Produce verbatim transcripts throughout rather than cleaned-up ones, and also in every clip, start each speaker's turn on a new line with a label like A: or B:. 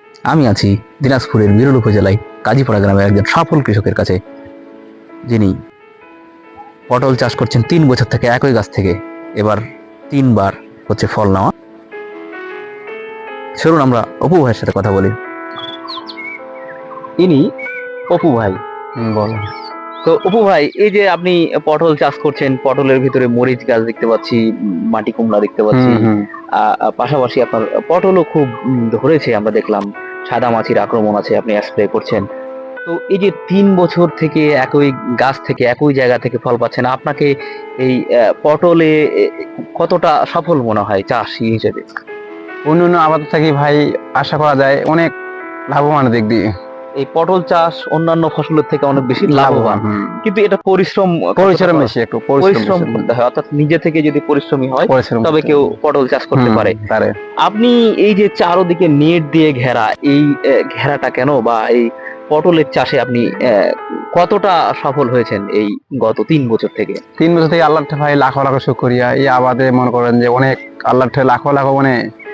A: আমি আছি দিনাজপুরের বিরল উপজেলায় কাজীপাড়া গ্রামের একজন সফল কৃষকের কাছে, যিনি পটল চাষ করছেন তিন বছর থেকে একই গাছ থেকে। এবার তিনবার হচ্ছে ফল নেওয়া। চলুন আমরা অপু ভাইয়ের সাথে কথা বলি। ইনি অপু ভাই।
B: হুম, বলো।
A: তো অপু ভাই, এই যে আপনি পটল চাষ করছেন, পটলের ভিতরে মরিচ গাছ দেখতে পাচ্ছি, উম, মাটি কুমড়া দেখতে পাচ্ছি,
B: হুম, হুম।
A: আহ, আহ, পাশাপাশি আপনার পটলও খুব উম, ধরেছে, আমরা দেখলাম সাদা মাছির আক্রমণ আছে, আপনি স্প্রে করছেন। তো এই যে তিন বছর থেকে একই গাছ থেকে একই জায়গা থেকে ফল পাচ্ছেন, আপনাকে এই আহ, পটলে এ, কতটা সফল মনে হয় চাষি হিসেবে?
B: অন্যান্য আবাদ থেকে ভাই আশা করা যায় অনেক লাভবান দিক দিয়ে।
A: এই পটল চাষ অন্যান্য ফসলের থেকে অনেক বেশি লাভবান,
B: হুম।
A: কিন্তু এটা পরিশ্রম কতটা
B: পরিশ্রম
A: করা-
B: বেশি, একটু পরিশ্রম
A: পরিশ্রম
B: বেশি।
A: করতে হয়, অর্থাৎ নিজে থেকে যদি পরিশ্রমী হয়
B: পরিশ্রম
A: তবে
B: করতে
A: কেউ
B: হবে।
A: পটল চাষ করতে
B: হুম,
A: পারে।
B: পারে।
A: আপনি এই যে চারদিকে নেট দিয়ে ঘেরা, এই আহ, ঘেরাটা কেন, বা এই পটলের চাষে আপনি আহ, কতটা সফল হয়েছেন এই গত তিন বছর থেকে?
B: তিন বছর থেকে আল্লাহ ভাই লাখো লাখো শুকরিয়া। এই আবাদে মনে করেন যে অনেক আল্লাহ লাখো লাখো মানে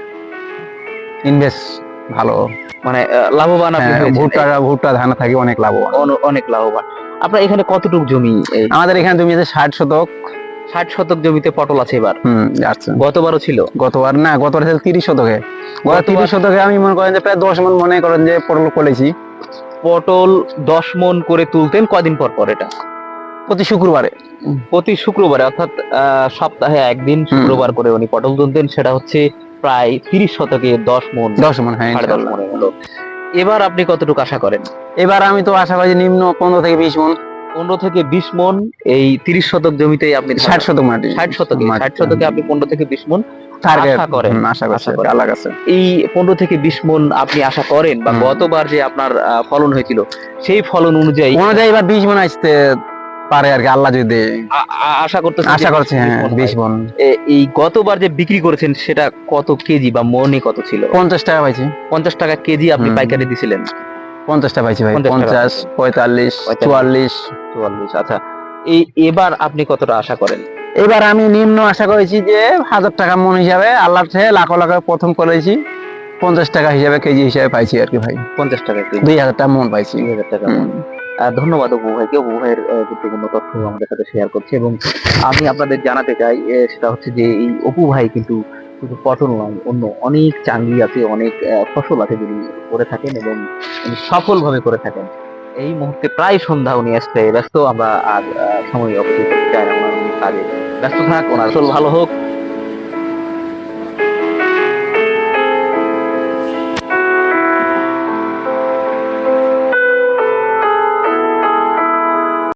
B: ইনভেস্ট ভালো।
A: মানে আহ, লাভবান আপনি
B: হ্যাঁ,
A: হয়েছেন,
B: ভুট্টা ভুট্টা ধান থাকি অনেক লাভবান।
A: অন- অনেক লাভবান। আপনার এখানে কতটুকু জমি? এই
B: আমাদের এখানে জমি আছে ষাট শতক।
A: ষাট শতক জমিতে পটল আছে এবার?
B: হুম, আছে।
A: গতবারও ছিল?
B: গতবার না, গতবার ছিল তিরিশ শতকে। গত
A: গতবার-
B: তিরিশ শতকে আমি মনে করেন যে প্রায় দশ মন মনে করেন যে পটল করেছি
A: পটল দশ মন করে তুলতেন কদিন পর পর? এটা
B: প্রতি শুক্রবারে।
A: প্রতি শুক্রবারে, অর্থাৎ আহ, সপ্তাহে একদিন শুক্রবার করে উনি পটল তুলতেন। সেটা হচ্ছে প্রায় তিরিশ শতকে দশ মন,
B: দশ মন, হ্যাঁ,
A: সাড়ে দশ
B: ইনশাআল্লাহ।
A: মনের হলো। এবার আপনি কতটুকু আশা করেন?
B: এবার আমি তো আশা করি যে নিম্ন পনেরো থেকে বিশ মন।
A: পনেরো থেকে বিশ মন। এই তিরিশ শতক জমিতে আপনি
B: ষাট শতক মাটি।
A: ষাট শতকে
B: মাটি।
A: ষাট শতকে আপনি পনেরো থেকে বিশ মন
B: টার্গেট
A: আশা করেন?
B: আশা করছি
A: আশা করেন।
B: আল্লাহর কাছে।
A: এই পনেরো থেকে বিশ মন আপনি আশা করেন, বা
B: হুম।
A: গতবার যে আপনার আহ, ফলন হয়েছিল সেই ফলন অনুযায়ী
B: অনুযায়ী এবার বিশ মন আসতে পারে আর কি, আল্লাহ যদি দেয়।
A: আ- আ- আশা করতেছেন যে
B: আশা
A: বিশ-
B: করছি,
A: বিশ
B: হ্যাঁ,
A: মন
B: বিশ
A: হয়?
B: মন।
A: এ- এই গতবার যে বিক্রি করেছেন সেটা কত কেজি বা মনে কত ছিল?
B: পঞ্চাশ টাকা পাইছি।
A: পঞ্চাশ টাকা কেজি আপনি
B: হুম।
A: পাইকারি দিছিলেন?
B: পঞ্চাশ টাকা পাইছি ভাই।
A: পঞ্চাশ টাকা
B: পঞ্চাশ,
A: পাইছি।
B: পঁয়তাল্লিশ,
A: পঁয়তাল্লিশ।
B: চুয়াল্লিশ।
A: চুয়াল্লিশ। আচ্ছা, এই এবার আপনি কতটা আশা করেন?
B: এবার আমি নিম্ন আশা করেছি যে হাজার টাকা মন হিসাবে, আল্লাহর থেকে লাখো লাখো প্রথম করেছি পঞ্চাশ টাকা হিসাবে, কেজি হিসাবে পাইছি আর কি ভাই।
A: পঞ্চাশ টাকা কেজি,
B: দুই হাজার টাকা মন পাইছি।
A: দুই হাজার টাকা।
B: হুম।
A: আহ, ধন্যবাদ অপু ভাইকে, অপু ভাইয়ের আহ, গুরুত্বপূর্ণ তথ্য আমাদের সাথে শেয়ার করছে। এবং আমি আপনাদের জানাতে চাই, এ, সেটা হচ্ছে যে এই অপু ভাই কিন্তু শুধু পটল নয়, অন্য অনেক চাঙ্গি আছে, অনেক আহ, ফসল আছে যিনি করে থাকেন, এবং উনি সফলভাবে করে থাকেন। এই মুহূর্তে প্রায় সন্ধ্যা, উনি আসতে ব্যস্ত। আমরা আর আহ, সময় অপচয় করতে চাই না, ওনার উনি কাজে ব্যস্ত থাক, ওনার ফসল ভালো হোক।